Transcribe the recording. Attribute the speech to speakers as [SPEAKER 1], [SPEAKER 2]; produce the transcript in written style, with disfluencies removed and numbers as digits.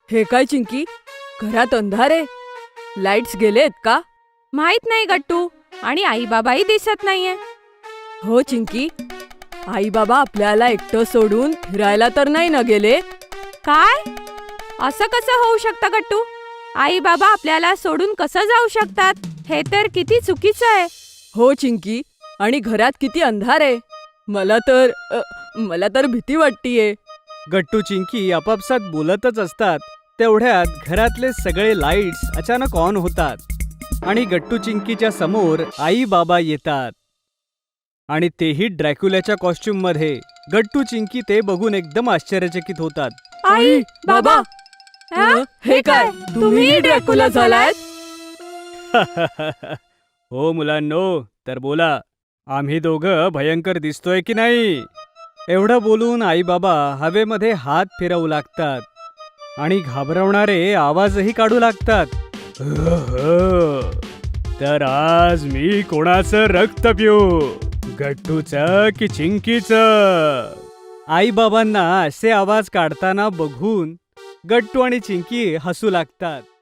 [SPEAKER 1] हे काय चिंकी, घरात अंधार आहे. लाईट्स गेलेत का?
[SPEAKER 2] माहित नाही गट्टू, आणि आई बाबाही दिसत नाहीये.
[SPEAKER 1] हो चिंकी, आई बाबा आपल्याला एकटं सोडून फिरायला तर नाही ना गेले?
[SPEAKER 2] काय? असं कसं होऊ शकतं गट्टू? आई बाबा आपल्याला सोडून कसं जाऊ शकतात? हे तर किती चुकीचं आहे.
[SPEAKER 1] हो चिंकी, आणि घरात किती अंधार आहे. मला तर भीती वाटतीये.
[SPEAKER 3] गट्टू चिंकी आपापसात बोलतच असतात. तेवढ्यात घरातले सगळे लाईट्स अचानक ऑन होतात आणि गट्टू चिंकीच्या समोर आई बाबा येतात आणि तेही ड्रॅक्युलाच्या कॉस्ट्युम मध्ये. गट्टू चिंकी ते बघून एकदम आश्चर्यचकित होतात.
[SPEAKER 2] आई बाबा,
[SPEAKER 1] हे काय, तुम्ही ड्रॅक्युला झालायत?
[SPEAKER 3] हो मुलांनो, तर बोला, आम्ही दोघं भयंकर दिसतोय की नाही? एवढं बोलून आई बाबा हवेमध्ये हात फिरवू लागतात आणि घाबरवणारे आवाजही काढू लागतात. तर आज मी कोणाचं रक्त पिऊ, गट्टूचं की चिंकीचं? आई बाबांना असे आवाज काढताना बघून गट्टू आणि चिंकी हसू लागतात.